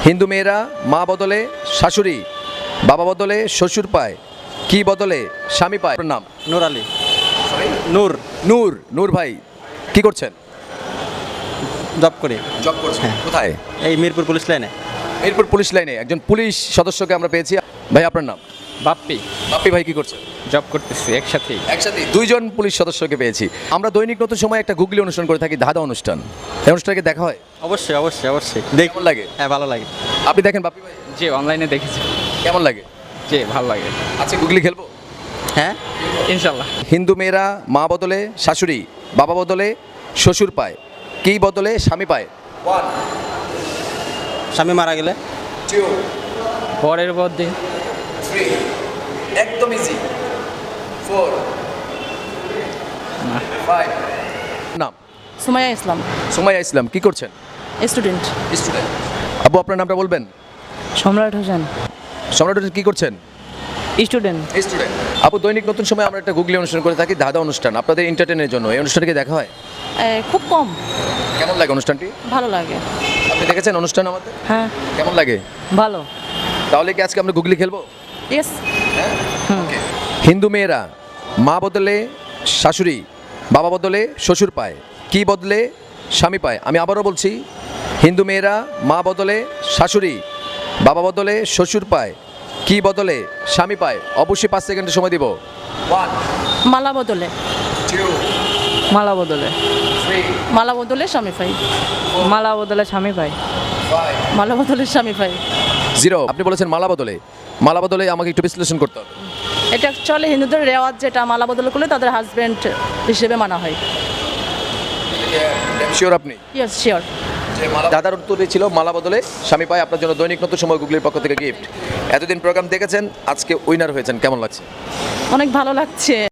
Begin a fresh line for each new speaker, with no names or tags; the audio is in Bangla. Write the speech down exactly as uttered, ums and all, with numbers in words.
হিন্দু মেয়েরা মা বদলে শাশুড়ি, বাবা বদলে শ্বশুর পায়, কি বদলে স্বামী পায়? আপনার নাম?
নূর আলী। নূর।
নূর। নূর ভাই কি করছেন?
জব করি।
জব করছেন
হ্যাঁ।
কোথায়?
এই মিরপুর পুলিশ লাইনে।
এরপর পুলিশ লাইনে একজন পুলিশ সদস্যকে আমরা পেয়েছি। ভাই আপনার নাম?
বাপ্পি।
বাপ্পি ভাই কি করছেন?
জব করতেছি একসাথেই।
একসাথে দুইজন পুলিশ সদস্যকে পেয়েছি। আমরা দৈনিক নতুন সময় একটা গুগলি অনুষ্ঠান করে থাকি, ধাঁধা অনুষ্ঠান। এই অনুষ্ঠানকে দেখা হয়?
অবশ্যই অবশ্যই অবশ্যই
কেমন
দেখুন।
লাগে?
হ্যাঁ, ভালো লাগে।
আপনি দেখেন বাপ্পি ভাই?
যে অনলাইনে দেখেছি।
কেমন লাগে?
যে ভালো লাগে।
আচ্ছা গুগলি খেলবো?
হ্যাঁ,
ইনশাল্লাহ।
হিন্দু মেয়েরা মা বদলে শাশুড়ি, বাবা বদলে শ্বশুর পায়, কি বদলে স্বামী পায়? ওয়ান,
স্বামী মারা গেলে
টু,
পরের মধ্যে
থ্রি, একদম ইজি, ফোর, ফাইভ। নাম?
সুমাইয়া ইসলাম,
সুমাইয়া ইসলাম। কি করছেন?
স্টুডেন্ট।
স্টুডেন্ট। আবু আপনার নামটা বলবেন?
সম্রাট হোসেন,
সম্রাট হোসেন। কি করছেন?
স্টুডেন্ট।
স্টুডেন্ট। আপু দৈনিক নতুন সময় আমরা একটা গুগলি অনুষ্ঠান করে থাকি, ধাঁধা অনুষ্ঠান, আপনাদের এন্টারটেনের জন্য। এই অনুষ্ঠানকে দেখা হয়?
খুব কম।
কেমন লাগে অনুষ্ঠানটি?
ভালো লাগে।
আপনি দেখেছেন অনুষ্ঠান আমাদের?
হ্যাঁ,
কেমন লাগে?
ভালো।
তাহলে কি আজকে আমরা গুগলি খেলবো?
ইয়েস।
হিন্দু মেয়েরা মা বদলে শাশুড়ি, বাবা বদলে শ্বশুর পায়, কি বদলে স্বামী পায়? আমি আবারও বলছি, হিন্দু মেয়েরা মা বদলে শাশুড়ি, বাবা বদলে শ্বশুর পায়, কি বদলে স্বামী পায়? অবশ্যই পাঁচ সেকেন্ডের সময় দিব। ওয়ান,
মালা বদলে।
টু,
মালা বদলে।
থ্রি,
মালা বদলে স্বামী পাই। মালা বদলে স্বামী পাই।
ফাইভ,
মালা বদলে স্বামী পাই।
জিরো। আপনি বলেছেন মালা বদলে। মালা বদলে আমাকে একটু বিশ্লেষণ করতে হবে।
এটা অ্যাকচুয়ালি হিন্দুদের রেওয়াজ, যেটা মালা বদল করলে তাদের হাজবেন্ড হিসেবে মানা হয়।
শিওর আপনি?
Yes, sure.
দাদার উত্তরই ছিল মালা বদলে স্বামী পায়। আপনার জন্য দৈনিক নতুন সময় গুগলির পক্ষ থেকে গিফট। এতদিন প্রোগ্রাম দেখেছেন, আজকে উইনার হয়েছেন, কেমন লাগছে?
অনেক ভালো লাগছে।